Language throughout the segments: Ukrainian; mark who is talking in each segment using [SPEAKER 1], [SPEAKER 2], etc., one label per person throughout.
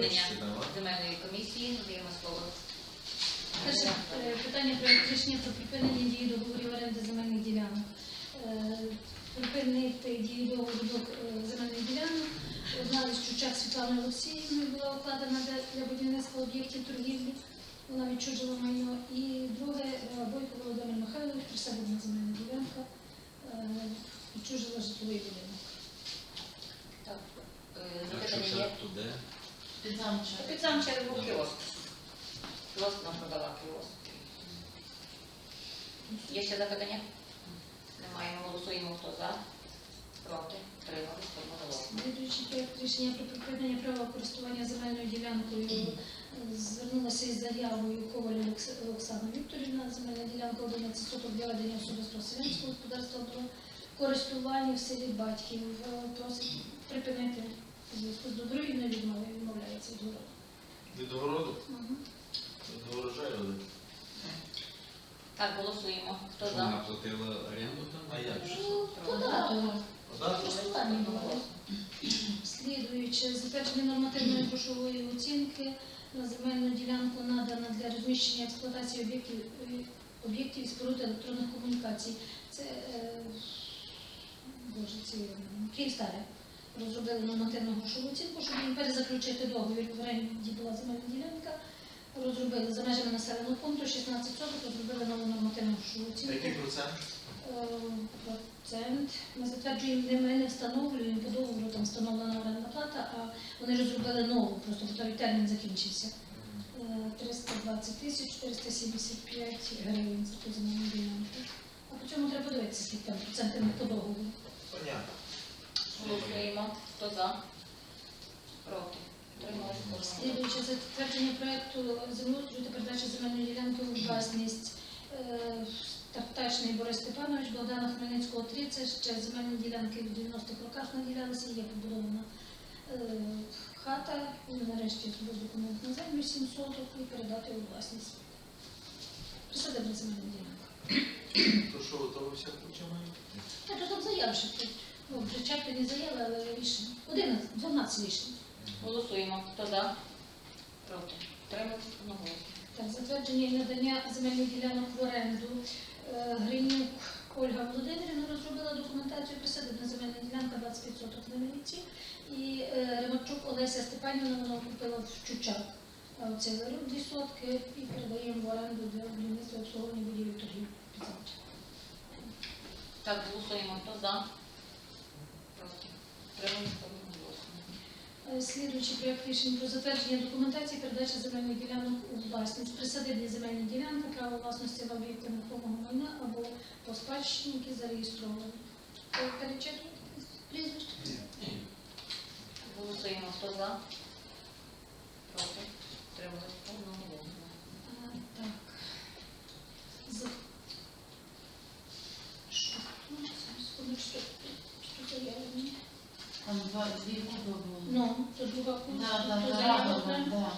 [SPEAKER 1] засідання земельної комісії. Надаємо слово.
[SPEAKER 2] Перше питання про рішення про припинення дії договорів оренди земельних ділянок. Припинити дію договору земельних ділянок. Одна із Чучак Світланою Олексіївною була укладена для будівництва об'єктів торгівлі. Вона відчужила майно. І друге, Бойко Володимир Михайлович, присадибна земельна ділянка, відчужила житловий будинок.
[SPEAKER 1] Так, запитання є? Під сам черву кіоск. Кіоск нам продала кіоск. Є ще запитання? Немає. Ми голосуємо. Хто за? Проти? Утримались? Одноголосно.
[SPEAKER 2] Слідуючий проект рішення про припинення права користування земельною ділянкою звернулася із заявою Коваль Оксана Вікторівна. Земельна ділянка 11 соток для ведення особистого селянського господарства до користування в селі Батьків. Просить припинити у зв'язку з добровільною відмовою, відмовляється від городу.
[SPEAKER 3] Від огороду? Не врожай родити.
[SPEAKER 1] Так, голосуємо. Хто
[SPEAKER 4] Що
[SPEAKER 1] за?
[SPEAKER 4] вона платила оренду там?
[SPEAKER 3] А як же?
[SPEAKER 2] Податок. Слідуючи, затвердження нормативної грошової оцінки на земельну ділянку надана для розміщення експлуатації об'єктів і споруд електронних комунікацій. Це Київстаре розробили нормативну грошову оцінку, щоб їм перезаключити договір. В оренді була земельна ділянка. Розробили за межами населеного пункту 16 соток, розробили нову нормативну грошову оцінку.
[SPEAKER 3] Який процент?
[SPEAKER 2] Процент. Ми затверджуємо, ми не встановлюємо, по договору там встановлена орендна плата, а вони розробили нову, просто той термін закінчився. 320 тисяч 475 гривень за ту земельну ділянку. А по цьому треба подивитися, скільки там процентів по договору.
[SPEAKER 3] Понятно.
[SPEAKER 1] Голосуємо. Хто за? Проти? Утримались?
[SPEAKER 2] Слідуючи затвердження проєкту землеустрою та передачі земельної ділянки у власність. Тартачний Борис Степанович, Богдана Хмельницького, 3. Це ще земельні ділянки в 90-х роках наділялися, є побудована хата, і нарешті зробив документ на землю 7 соток і передати у власність. Присадибна земельна ділянка.
[SPEAKER 3] То що, то ви все починаєте?
[SPEAKER 2] Так, то там заяв ще тут. Ну, причепи не заяви, але рішення. 12 рішень.
[SPEAKER 1] Голосуємо. Хто за? Проти? Утримались? Одноголосно.
[SPEAKER 2] Так, затвердження і надання земельних ділянок в оренду. Гринюк Ольга Володимирівна розробила документацію, присадибна земельна ділянка 25 соток на Міліці. І Ремарчук Олеся Степанівна, вона купила в Чучак. Це 2 сотки і передаємо в оренду для будівництва і обслуговування будівель торгів.
[SPEAKER 1] Так, голосуємо. Хто за? Проти? Утримались? Одноголосно.
[SPEAKER 2] Слідуючий проєкт рішень про затвердження документації передачі земельних ділянок у власність. Присадибні земельні ділянки, право власності в об'єкти нерухомого майна або по спадщині, які зареєстровані. Перечитуєте прізвище?
[SPEAKER 3] Ні.
[SPEAKER 1] Голосуємо. Хто за? Проти? Утримались? Одноголосно.
[SPEAKER 2] Так. Що тут? Секундочку. Що заявлені?
[SPEAKER 5] Там дві групи були.
[SPEAKER 2] Ну, то друга
[SPEAKER 5] Да.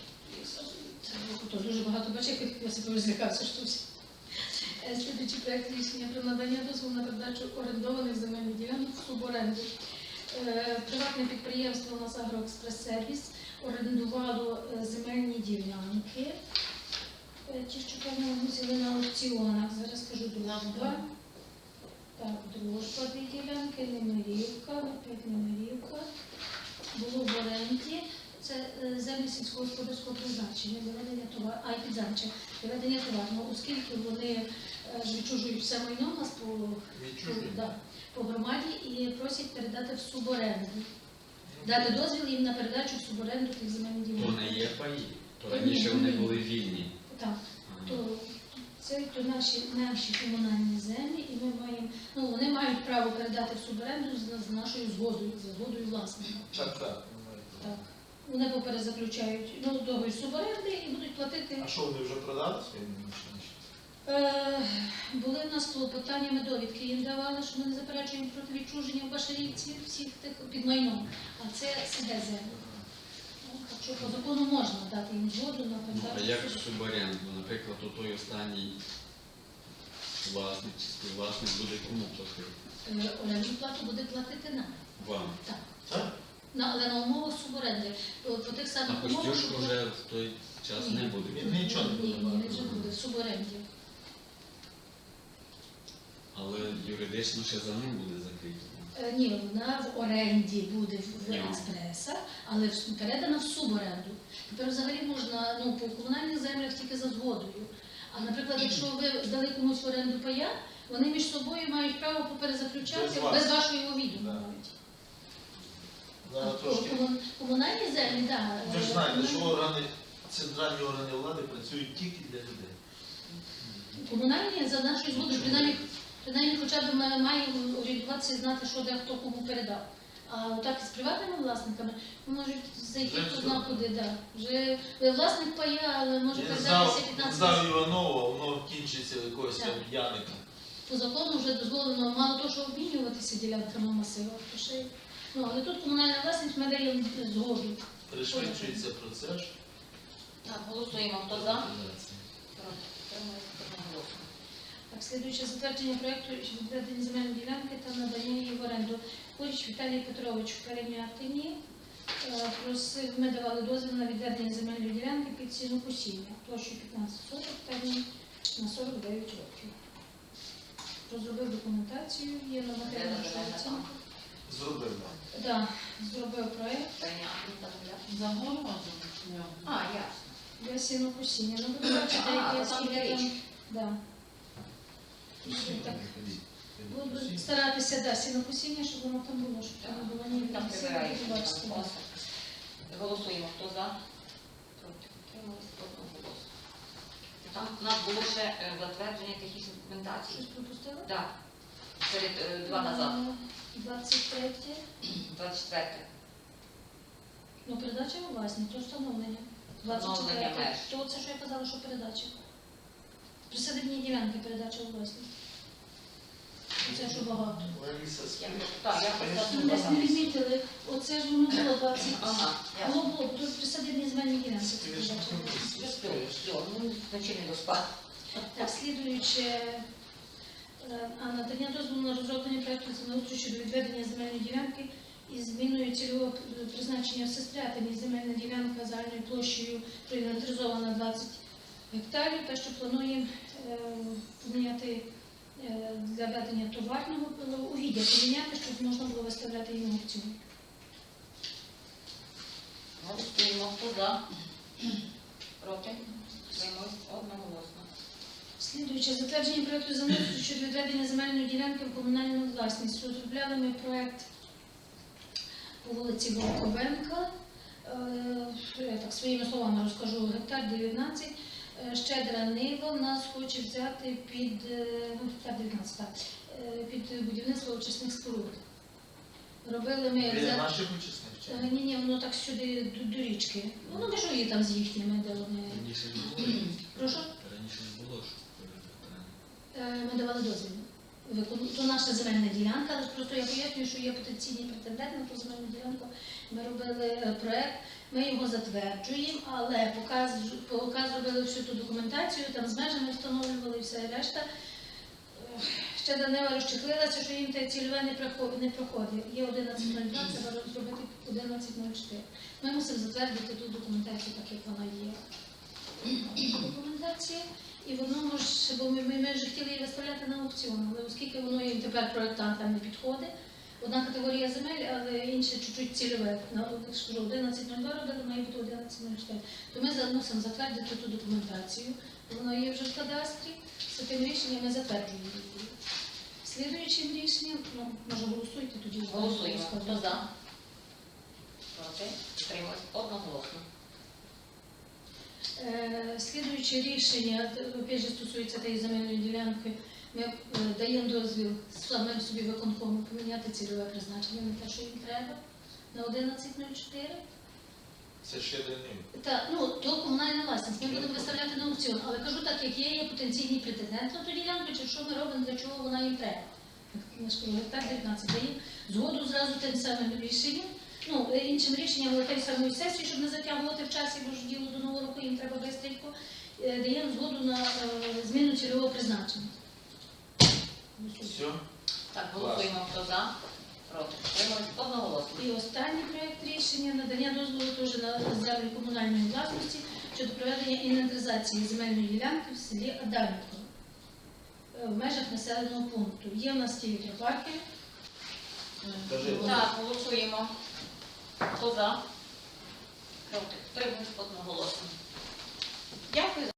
[SPEAKER 2] Це дуже багато бачив, я себе злякався щось. Слідуючий проєкт рішення про надання дозволу на передачу орендованих земельних ділянок в суборенду. Приватне підприємство «Нас Агроекспрес-сервіс» орендувало земельні ділянки. Ті, що певно мусили на аукціонах. Зараз скажу дружба. Так, дружба дві ділянки, Немирівка, опять Немирівка. Було в оренді. Це землі сільськогосподарського призначення, доведення товару, а й підзамче, доведення товару. Оскільки вони відчужують все майно у нас по громаді і просять передати в суборенду. Дати дозвіл їм на передачу в суборенду тих земельних ділянок.
[SPEAKER 4] То не є паї, то раніше вони були вільні.
[SPEAKER 2] Так, це наші комунальні землі, і ми маємо, вони мають право передати в суборенду з нашою згодою, за згодою власника.
[SPEAKER 3] Так.
[SPEAKER 2] Вони поперезаключають договір суборенди і будуть платити.
[SPEAKER 3] А що, вони вже продали свої машини?
[SPEAKER 2] Були в нас клопотання, ми довідки їм давали, що ми не заперечуємо проти відчуження в Башарівці всіх тих під майном. А це сиде землю. Так що по закону можна дати їм згоду на передачу.
[SPEAKER 4] А як суборенду? Наприклад, той останній власник чи співвласник буде кому платити?
[SPEAKER 2] Орендну плату буде платити нам.
[SPEAKER 4] Вам?
[SPEAKER 2] Так.
[SPEAKER 3] Так?
[SPEAKER 2] Але на умовах суборенди. По тих
[SPEAKER 4] А
[SPEAKER 2] самих умовах...
[SPEAKER 4] Костюшко вже в той час не буде.
[SPEAKER 3] Нічого не
[SPEAKER 2] Ні,
[SPEAKER 3] буде.
[SPEAKER 2] він вже буде в суборенді.
[SPEAKER 4] Але юридично ще за ним буде закрито.
[SPEAKER 2] Ні, вона в оренді буде в
[SPEAKER 4] Ні.
[SPEAKER 2] експреса, але передана в суборенду. Тепер взагалі можна по комунальних землях тільки за згодою. А, наприклад, якщо ви здали комусь в оренду пая, вони між собою мають право поперезаключати
[SPEAKER 3] Без вас.
[SPEAKER 2] без вашого відома
[SPEAKER 3] Да.
[SPEAKER 2] навіть.
[SPEAKER 3] Зараз
[SPEAKER 2] А
[SPEAKER 3] трошки.
[SPEAKER 2] комунальні землі, так.
[SPEAKER 3] Ви ж знаєте, що центральні органи влади працюють тільки для людей.
[SPEAKER 2] Комунальні за нашою згодою, принаймні хоча б ми маємо орієнтуватися і знати, що де хто кому передав. А отак з приватними власниками можуть зайти
[SPEAKER 3] Вже
[SPEAKER 2] хто
[SPEAKER 3] все.
[SPEAKER 2] зна куди. Да. Вже ви власник пая, але може
[SPEAKER 3] Він
[SPEAKER 2] передатися 15
[SPEAKER 3] здав Іванова, воно кінчиться якогось там
[SPEAKER 2] Так.
[SPEAKER 3] Яника.
[SPEAKER 2] По закону вже дозволено мало того, що обмінюватися ділянками масивах, то ще й- але тут комунальна власність ми даємо згоду.
[SPEAKER 3] Пришвидшується процес.
[SPEAKER 1] Так, голосуємо. Хто за?
[SPEAKER 4] Приватизація.
[SPEAKER 1] Проти. Утримались одноголосно.
[SPEAKER 2] Так, слідуюче затвердження проєкту відведення земельної ділянки та надання її в оренду. Куріч Віталій Петрович в Перемятині. Ми давали дозвіл на відведення земельної ділянки під ціну посіння. Площу 15 соток, термін на 49 років. Розробив документацію, є нормативна
[SPEAKER 1] Де
[SPEAKER 2] грошова
[SPEAKER 1] земельна
[SPEAKER 2] оцінка.
[SPEAKER 3] Зробив.
[SPEAKER 2] Так, зробив проєкт.
[SPEAKER 1] Прийняти та земля.
[SPEAKER 5] Загородом.
[SPEAKER 1] А, ясно.
[SPEAKER 2] Для сінокосіння. Ну, ви бачите,
[SPEAKER 1] А,
[SPEAKER 2] які
[SPEAKER 1] то там
[SPEAKER 2] скільки
[SPEAKER 1] є
[SPEAKER 2] там.
[SPEAKER 1] річ.
[SPEAKER 2] Да. Так, буду старатися, сінокосіння, щоб воно там було, щоб там не було ні
[SPEAKER 1] Там прибирають.
[SPEAKER 2] бачите. да.
[SPEAKER 1] Голосуємо. Хто за? Проти. Утримались одноголосно. Там у нас було ще затвердження технічної документації.
[SPEAKER 2] Щось пропустила?
[SPEAKER 1] Так. Перед два назад.
[SPEAKER 2] 23.
[SPEAKER 1] 24.
[SPEAKER 2] Ну, передача у власність, то встановлення.
[SPEAKER 1] Встановлення
[SPEAKER 2] 24.
[SPEAKER 1] меж.
[SPEAKER 2] То це, що я казала, що передача. Присадибні ділянки передача у власність. Це що багато.
[SPEAKER 3] Лариса
[SPEAKER 1] Так, я
[SPEAKER 2] Ну,
[SPEAKER 1] просто
[SPEAKER 2] десь не відмітили, оце ж воно було 20.
[SPEAKER 1] Ага, ясно.
[SPEAKER 2] Було, тут присадибні земельні ділянки. це передача.
[SPEAKER 1] Ну, вночі не доспав.
[SPEAKER 2] Так, слідуюче, надання дозволу на розроблення проєкту землеустрою щодо відведення земельної ділянки із зміною цільового призначення в Сестрятині. Земельна ділянка загальною площею проінвентаризована 20 гектарів, те, що плануємо поміняти для ведення товарного угіддя, поміняти, щоб можна було виставляти її на аукціон.
[SPEAKER 1] Голосуємо. Хто за? Проти. Утримались одноголосно.
[SPEAKER 2] Слідуюче, затвердження проєкту землеустрою щодо відведення земельної ділянки в комунальну власність. Розробляли ми проєкт по вулиці Волковенка. Я так своїми словами розкажу, гектар 19. Щедра нива нас хоче взяти під, гектар 19, так, під будівництво очисних споруд. Робили ми...
[SPEAKER 3] Біля наших учасників.
[SPEAKER 2] Ні, воно так сюди до річки. Воно межує там з їхніми, де вони...
[SPEAKER 4] Раніше ж було.
[SPEAKER 2] Прошу?
[SPEAKER 4] Раніше ж було, що перед
[SPEAKER 2] Ми давали дозвіл. То наша земельна ділянка, але просто я пояснюю, що є потенційні претенденти на ту земельну ділянку. Ми робили проєкт, ми його затверджуємо, але поки зробили всю ту документацію, там з межами встановлювали і все решта. Ще Данила розчехлилася, що їм те цільове не проходить. Є 11.02, треба зробити 11.04. Ми мусимо затвердити ту документацію, так як вона є. Документація. І воно може, бо ми вже хотіли її виставляти на аукціон, але оскільки воно їм тепер проєктантам не підходить, одна категорія земель, але інша чуть-чуть цільове. Я ж кажу, 11.02 робили, має бути 11.04. То ми мусимо затвердити ту документацію, воно є вже в кадастрі, з тим рішенням ми затверджуємо її. Слідуючим рішенням, може голосуйте тоді.
[SPEAKER 1] Голосуємо. Хто за? Проти. Утримались одноголосно.
[SPEAKER 2] Слідуюче рішення, опять же, стосується тієї земельної ділянки, ми даємо дозвіл самим собі виконкому поміняти цільове призначення на те, що їм треба, на 11.04.
[SPEAKER 3] Це ще до них.
[SPEAKER 2] Так, то комунальна власність, ми будемо виставляти на аукціон, але кажу так, як є потенційний претендент на ту ділянку, чи що ми робимо, для чого вона їм треба. Я ж кажу, гектар 19 даємо згоду зразу тим самим рішенням. Іншим рішенням, але тієї самої сесії, щоб не затягувати в часі, бо ж діло до Нового року їм треба швидко, даємо згоду на зміну цільового призначення.
[SPEAKER 3] Все?
[SPEAKER 1] Так, голосуємо. Хто за? Проти. Утримались одноголосно.
[SPEAKER 2] І останній проект рішення надання дозволу теж на землі комунальної власності щодо проведення інвентаризації земельної ділянки в селі Адамівка в межах населеного пункту. Є в нас ті вітропарки.
[SPEAKER 3] Кажи.
[SPEAKER 1] Так, голосуємо. Хто за? Проти. Утримались одноголосно. Дякую.